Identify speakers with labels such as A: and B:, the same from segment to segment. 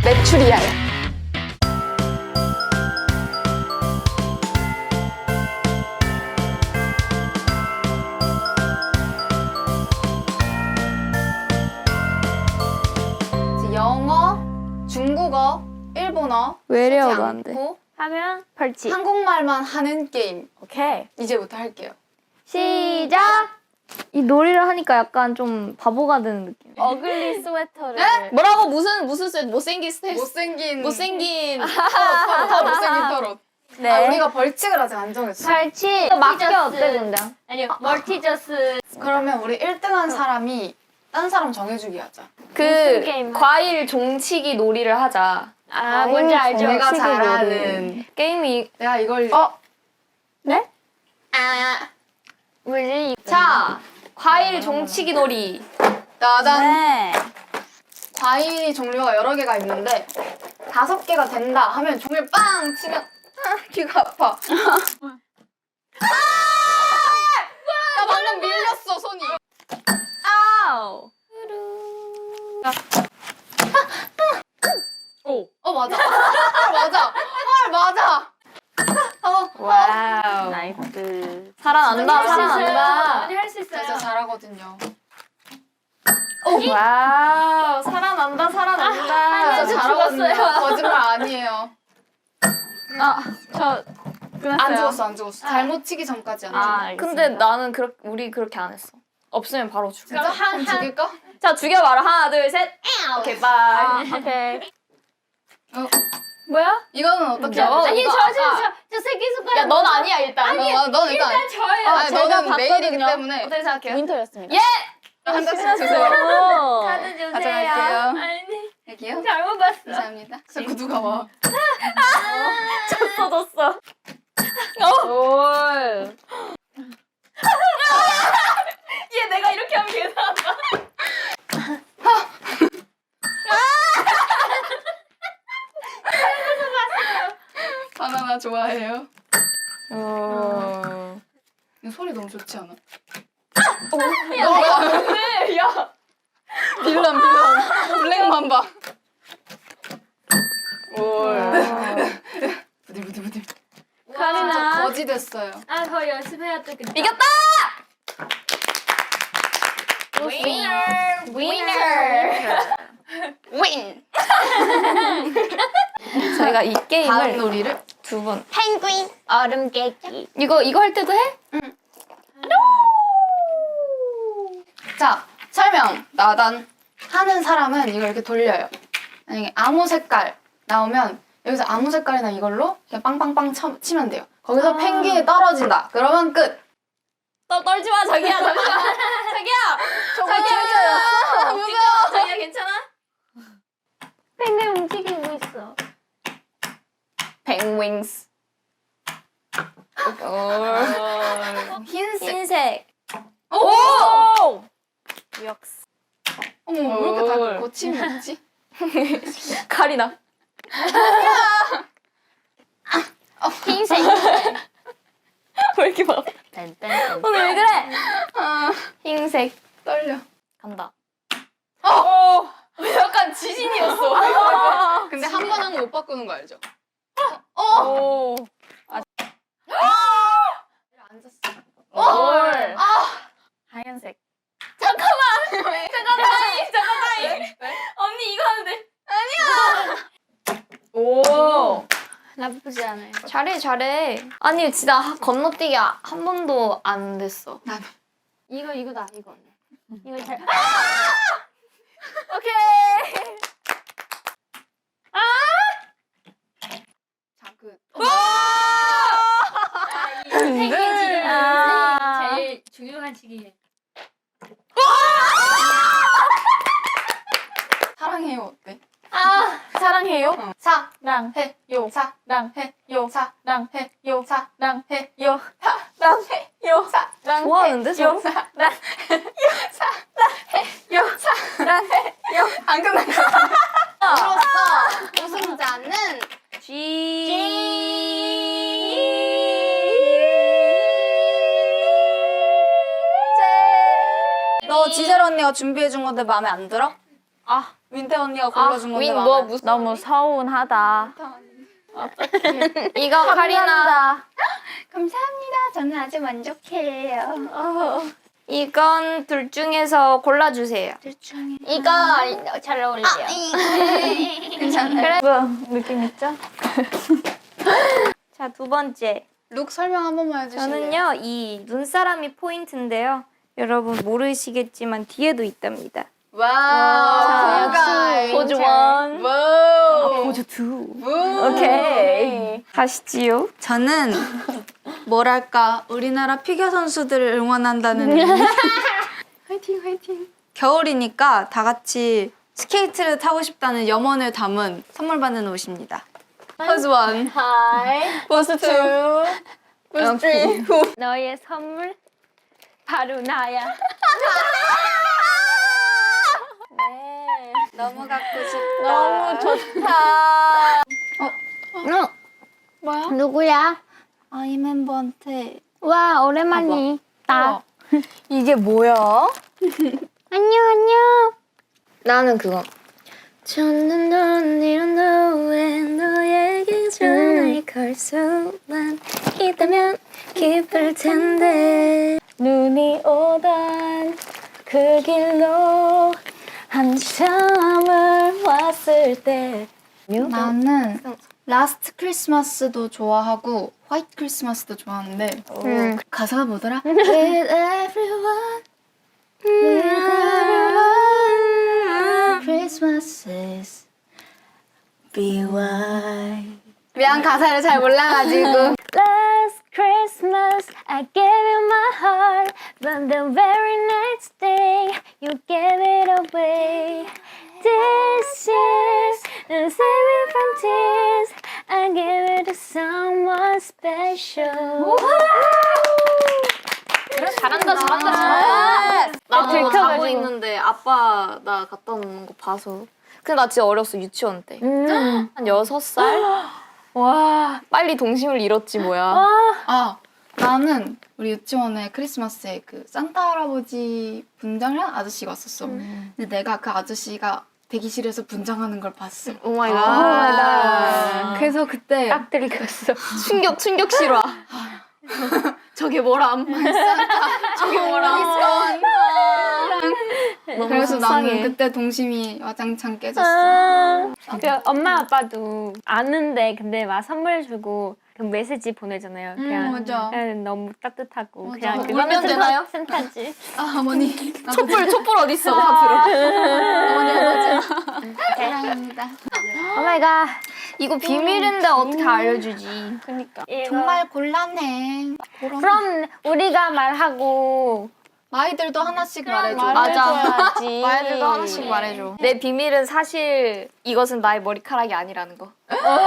A: 메추리알. 이제 영어, 중국어, 일본어
B: 외래어도
A: 쓰지
B: 안 돼.
A: 않고
C: 하면 벌칙.
A: 한국말만 하는 게임.
C: 오케이.
A: 이제부터 할게요.
C: 시작.
B: 이 놀이를 하니까 약간 좀 바보가 되는 느낌.
C: 어글리 스웨터를.
A: 네?
D: 뭐라고 무슨 쇠 못생긴 스텝
A: 못생긴
D: 못생긴
A: 터 못생긴 털옷.
C: 네.
A: 아, 우리가 벌칙을 아직 안 정했어.
C: 벌칙.
B: 맞게 어때 근데?
C: 아니요. 멀티저스.
A: 그러면 우리 1등한 사람이 딴 사람 정해주기 하자.
C: 무슨
D: 그
C: 게임
D: 과일 종치기 놀이를 하자.
C: 아, 뭔지 알죠?
A: 내가
B: 정치기
A: 잘하는.
D: 게임이
A: 내가 이걸.
C: 네?
A: 아.
C: 뭐지?
D: 자 과일 종치기 놀이.
A: 나단
C: 네.
A: 과일 종류가 여러 개가 있는데 5개가 된다 하면 종이를 빵 치면 귀가 아파. 나 방금 밀렸어 손이.
D: 아우.
A: 맞아. 맞아. 맞아.
D: 와우.
C: 나이스.
D: 살아난다 살아난다.
C: 할수
A: 진짜 잘하거든요.
D: 와우 살아난다 살아난다.
A: 진짜 잘하거든요. 거짓말 아니에요.
D: 저
A: 안 죽었어 안 죽었어. 잘못 치기 전까지 안 죽어.
C: 알겠습니다.
D: 근데 나는 우리 그렇게 안 했어. 없으면 바로 죽여.
A: 진짜 한 죽일까?
D: 자 죽여봐라. 하나 둘 셋. 오케이 바이.
C: 오케이.
A: 뭐야? 이거는 어떻게
D: 저-
A: 하지?
C: 아니,
D: 이거
C: 저 새끼손가락.
D: 야 넌 아니야 일단.
A: 넌 일단.
C: 저예요.
A: 아니,
D: 제가
A: 너는 메일이기
D: 봤거든요.
A: 때문에
D: 어떻게 생각해요?
C: 윈터였습니다.
D: 예.
A: 한 장씩 주세요.
C: 카드 주세요.
A: 가져갈게요.
C: 아니,
A: 여기요?
C: 잘못 봤어.
A: 감사합니다. 자꾸 누가 와.
D: 졌어. 올. 얘 내가 이렇게 하면 계산한다.
A: 바나나 좋아해요.
D: 어.
A: 이 소리 너무 좋지 않아?
D: 네, 야.
A: 빌런 블랙맘바. 부들부들부들.
C: 카리나.
A: 거지 됐어요.
C: 아, 더 연습해야 되겠다.
D: 이겼다. 위너. 윈. 저희가 이
A: 다음
D: 게임을
A: 놀이를
D: 2번.
C: 펭귄. 얼음 깨기.
D: 이거 할 때도 해?
A: 자, 설명. 나단 하는 사람은 이걸 이렇게 돌려요. 만약에 아무 색깔 나오면 여기서 아무 색깔이나 이걸로 그냥 빵빵빵 치면 돼요. 거기서 펭귄이 떨어진다. 그러면 끝.
D: 떨지 마 자기야. 자기야.
A: 진짜요? 무서워.
D: 자기야 괜찮아?
C: 펭귄 움직이고 있어.
D: 펭윙스.
A: 흰색.
D: 흰색.
A: 오!
D: 역스.
A: 어머, 왜 이렇게 다 거침이 있지?
D: 카리나.
C: 흰색.
D: 왜 이렇게 막
C: 딴딴딴.
D: 오늘 왜 그래?
A: 아,
D: 흰색.
A: 떨려.
D: 간다. 약간 지진이었어.
A: 근데 한 번 하는 못 바꾸는 거 알죠?
D: 오.
A: 앉았어.
D: 올. 하얀색. 잠깐만. 언니 이거 하는데. 아니야. 오.
C: 나쁘지 않아요.
D: 잘해. 아니 진짜 건너뛰기 한 번도 안 됐어.
A: 나도.
C: 이거다, 이거. 이거 잘.
D: 오케이.
A: 자, 그.
C: 펭귄 지금
D: 아.
C: 제일 중요한 시기에.
A: 사랑해요 어때?
D: 사랑해요.
A: 사랑해요.
D: 랑.
A: 사랑해요. 사랑해요. 사랑해요.
D: 랑해요.
A: 사랑해요.
D: 좋아하는데 서로?
A: 안 끝났어. 으로써 우승자는 너 지젤 언니가 준비해준 건데 마음에 안 들어? 민태 언니가 골라준 건데
D: 너 무슨
B: 너무 서운하다.
D: 이거 카리나.
A: 감사합니다. 저는 아주 만족해요.
D: 이건 둘 중에서 골라주세요.
C: 이거 잘 어울려요.
A: 괜찮아요.
B: 뭐야 느낌 있죠?
D: 자, 두 번째.
A: 룩 설명 한 번만 해주실래요?
D: 저는요, 이 눈사람이 포인트인데요. 여러분 모르시겠지만 뒤에도 있답니다.
A: 와우.
D: 포즈 원.
A: 와우.
D: 포즈 투. 오케이. 가시지요.
A: 저는 뭐랄까 우리나라 피겨 선수들을 응원한다는 의미. 화이팅 화이팅. 겨울이니까 다 같이 스케이트를 타고 싶다는 염원을 담은 선물 받는 옷입니다. 포즈 원,
C: 하이.
A: 포즈 투, 포즈 쓰리.
C: 너의 선물 바로 나야.
A: 너무 갖고 싶다.
C: 너무 좋다.
A: 뭐야?
C: 누구야?
A: 아이 멤버한테.
C: 와 오랜만이. 나.
B: 이게 뭐야?
C: 안녕.
D: 나는 그거. 저는 언니는 너왜 너에게 전화를 걸 수만 있다면 기쁠 텐데.
B: 눈이 오던 그 길로 한참을 왔을 때
A: 나는 라스트 크리스마스도 좋아하고 화이트 크리스마스도 좋아하는데 가사가 뭐더라? With everyone, with everyone, Christmases be white. 미안 가사를 잘 몰라가지고.
C: Last Christmas I gave you my heart, but the very next day you gave it away. This year's and save it from tears. I give it to someone special.
D: 잘한다. 나도 이거 자고 있는데 아빠 나 갖다 놓는 거 봐서. 근데 나 진짜 어렸어, 유치원 때. 한 6살? 와, 빨리 동심을 잃었지 뭐야.
A: 아 나는 우리 유치원에 크리스마스에 그 산타 할아버지 분장을 한 아저씨가 왔었어. 근데 내가 그 아저씨가 대기실에서 분장하는 걸 봤어.
D: 오 마이 갓.
A: 그래서 그때
C: 딱 들이켰어.
D: 충격 실화. 저게 뭐람.
A: 저게 뭐라?
D: 너무
A: 그래서 나는
D: 속상해.
A: 그때 동심이 와장창 깨졌어.
C: 그 엄마 아빠도 아는데 근데 막 선물 주고 그 메시지 보내잖아요. 그냥,
A: 맞아.
C: 그냥 너무 따뜻하고
A: 맞아.
C: 그냥
D: 울면 되나요?
C: 센타지.
A: 아 어머니.
D: 촛불 어딨어? 다 들어.
A: 어머니 아버지. 사랑합니다.
C: 오 마이 갓.
D: 이거 비밀인데 어떻게 알려주지?
C: 그러니까.
A: 정말 곤란해.
C: 그럼 우리가 말하고
A: 아이들도 하나씩 말해줘.
D: 맞아.
C: 해줘야지.
D: 말들도 하나씩 말해줘. 내 비밀은 사실 이것은 나의 머리카락이 아니라는 거.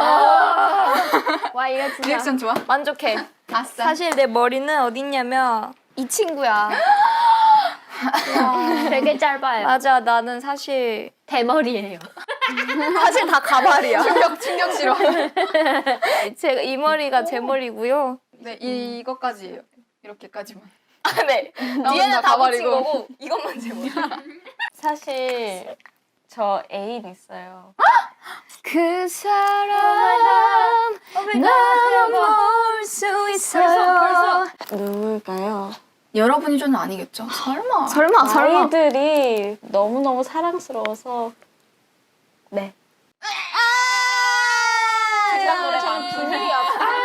C: 와 이거 진짜.
A: 리액션 좋아?
D: 만족해.
A: 아싸.
D: 사실 내 머리는 어딨냐면 이 친구야.
C: 되게 짧아요.
D: 맞아, 나는 사실
C: 대머리예요.
D: 사실 다 가발이야.
A: 충격 싫어.
D: 제가 이 머리가 제 머리고요.
A: 네 이것까지예요. 이렇게까지만.
D: 네. 뒤에는 다 붙인 거고 이것만 제 머리.
B: 사실 저 애인 있어요.
D: 그 사람 나도 볼 수 있어요.
B: 누굴까요?
A: 여러분이 저는 아니겠죠? 설마.
D: 설마.
B: 아이들이 너무너무 사랑스러워서 네.
D: 저는 비밀이야.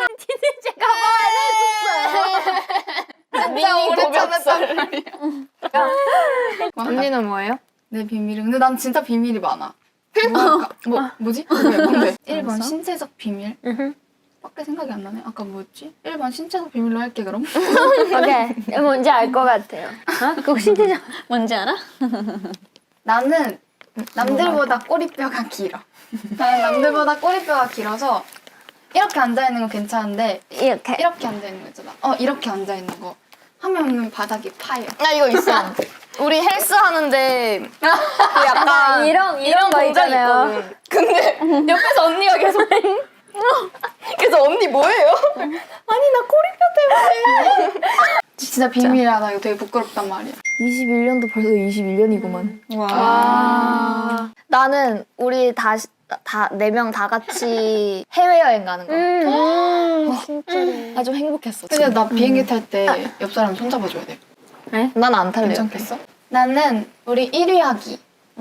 A: 진짜 오래 참았단
D: 말이야.
A: 언니
D: 언니는 뭐예요?
A: 내 비밀은 근데 난 진짜 비밀이 많아. 뭐지? 뭔데? 1번 신체적 비밀. 밖에 생각이 안 나네. 아까 뭐였지? 1번 신체적 비밀로 할게 그럼.
C: 오케이. 뭔지 알 것 같아요. 그거 신체적.
B: 뭔지 알아?
A: 나는 남들보다 꼬리뼈가 길어. 나는 남들보다 꼬리뼈가 길어서 이렇게 앉아 있는 건 괜찮은데
C: 이렇게.
A: 앉아 있는 거 있잖아. 이렇게 앉아 있는 거 하면은 바닥이 파여.
D: 나 이거 있어. 우리 헬스 하는데 그 약간
C: 이런 거
D: 동작이
C: 있잖아요.
D: 있거든. 근데 옆에서 언니가 계속 그래서 언니 뭐예요? 아니 나 꼬리뼈 때문에.
A: 진짜 비밀이야. 나 이거 되게 부끄럽단 말이야.
B: 21년도 벌써 21년이구만.
A: 와.
D: 나는 우리 다 4명 다 같이 해외여행 가는 거.
C: 진짜.
D: 나 좀 행복했어.
A: 근데 나 비행기 탈 때 옆 사람 손잡아줘야 돼.
D: 난 안 탈래.
A: 괜찮겠어? 나는 우리 1위 하기.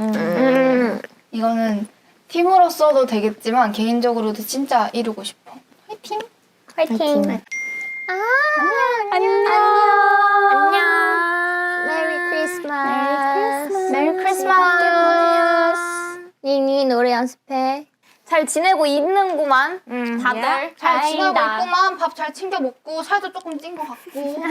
A: 이거는 팀으로 써도 되겠지만 개인적으로도 진짜 이루고 싶어. 화이팅!
C: 화이팅.
D: 안녕.
C: 메리 크리스마스.
A: 메리 크리스마스!
C: 닝이 노래 연습해.
D: 잘 지내고 있는구만. 다들.
A: 잘 지내고
C: 다행이다.
A: 있구만. 밥 잘 챙겨 먹고 살도 조금 찐 것 같고.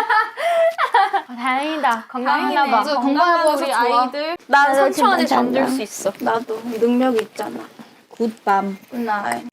C: 다행이다.
A: 건강하나 봐. 건강해 보여서 좋아.
D: 아이들. 난
C: 나도
D: 3초 안에
C: 지금
D: 잠들
C: 잠깐.
D: 수 있어.
E: 나도 능력이 있잖아. 굿밤.
A: 굿나잇.